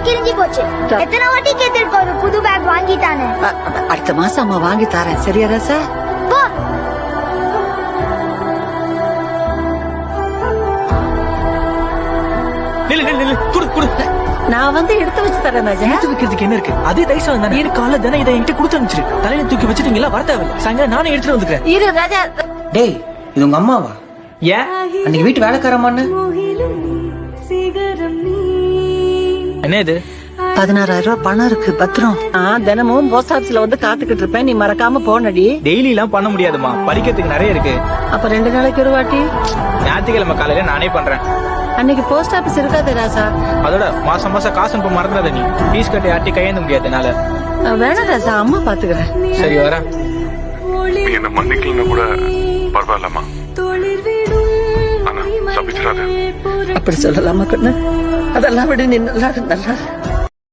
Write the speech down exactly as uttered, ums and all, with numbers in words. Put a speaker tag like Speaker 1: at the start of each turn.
Speaker 1: கிழிஞ்சி போச்சு. எத்தனை வாட்டி கேட்டிருக்க ஒரு புது பேக் வாங்கிட்டானு.
Speaker 2: அடுத்த மாசம் அம்மா வாங்கி தரேன். சரியா ராசா?
Speaker 1: போ.
Speaker 3: நில்லு நில்லு நில்லு குடு குடு.
Speaker 2: நான் வந்து எடுத்து வச்சு தரேன் ராஜா.
Speaker 3: எடுத்து வைக்கிறதுக்கு என்ன இருக்கு? அதே தைசம் தானே. எனக்கு காலைல தானே இதை என்கிட்ட கொடுத்து அனுப்பிச்சிரு. தலையில தூக்கி வச்சுட்டீங்களா? வர தேவையில்ல. சாயங்காலம் நானே எடுத்துட்டு வந்துக்கிறேன்.
Speaker 2: இரு ராஜா.
Speaker 4: டேய் இது உங்க அம்மாவா?
Speaker 3: ஏன்
Speaker 4: அன்னைக்கு வீட்டு வேலைக்காரமான்னு
Speaker 3: என்ன இது?
Speaker 2: பதினாறாயிரம் ரூபாய் பணம் இருக்கு பத்திரம். நான் தினமும் போஸ்ட் ஆபீஸ்ல வந்து காத்துக்கிட்டு இருப்பேன். நீ மறக்காம போனடி.
Speaker 3: டெய்லி எல்லாம் பண்ண முடியாதுமா, படிக்கிறதுக்கு நிறைய இருக்கு.
Speaker 2: அப்ப ரெண்டு நாளைக்கு ஒரு வாட்டி.
Speaker 3: ஞாயிற்றுக்கிழமை காலையில நானே பண்றேன்.
Speaker 2: அன்னைக்கு போஸ்ட் ஆபீஸ் இருக்காது ராசா.
Speaker 3: அதோட மாசம் மாசம் காசு அனுப்ப மறந்துடாத நீ. பீஸ் கட்டி ஆட்டி கையேந்த முடியாது என்னால.
Speaker 2: வேணாம் ராசா, அம்மா பாத்துக்கிறேன்.
Speaker 3: சரி வரேன்.
Speaker 5: நீ என்ன மன்னிக்கலன்னு கூட பரவாயில்லம்மா. ஆனா சபிச்சிடாத.
Speaker 2: அப்படி சொல்லலாமா கண்ணு? அதெல்லாம் விட நீ நல்லா நல்லா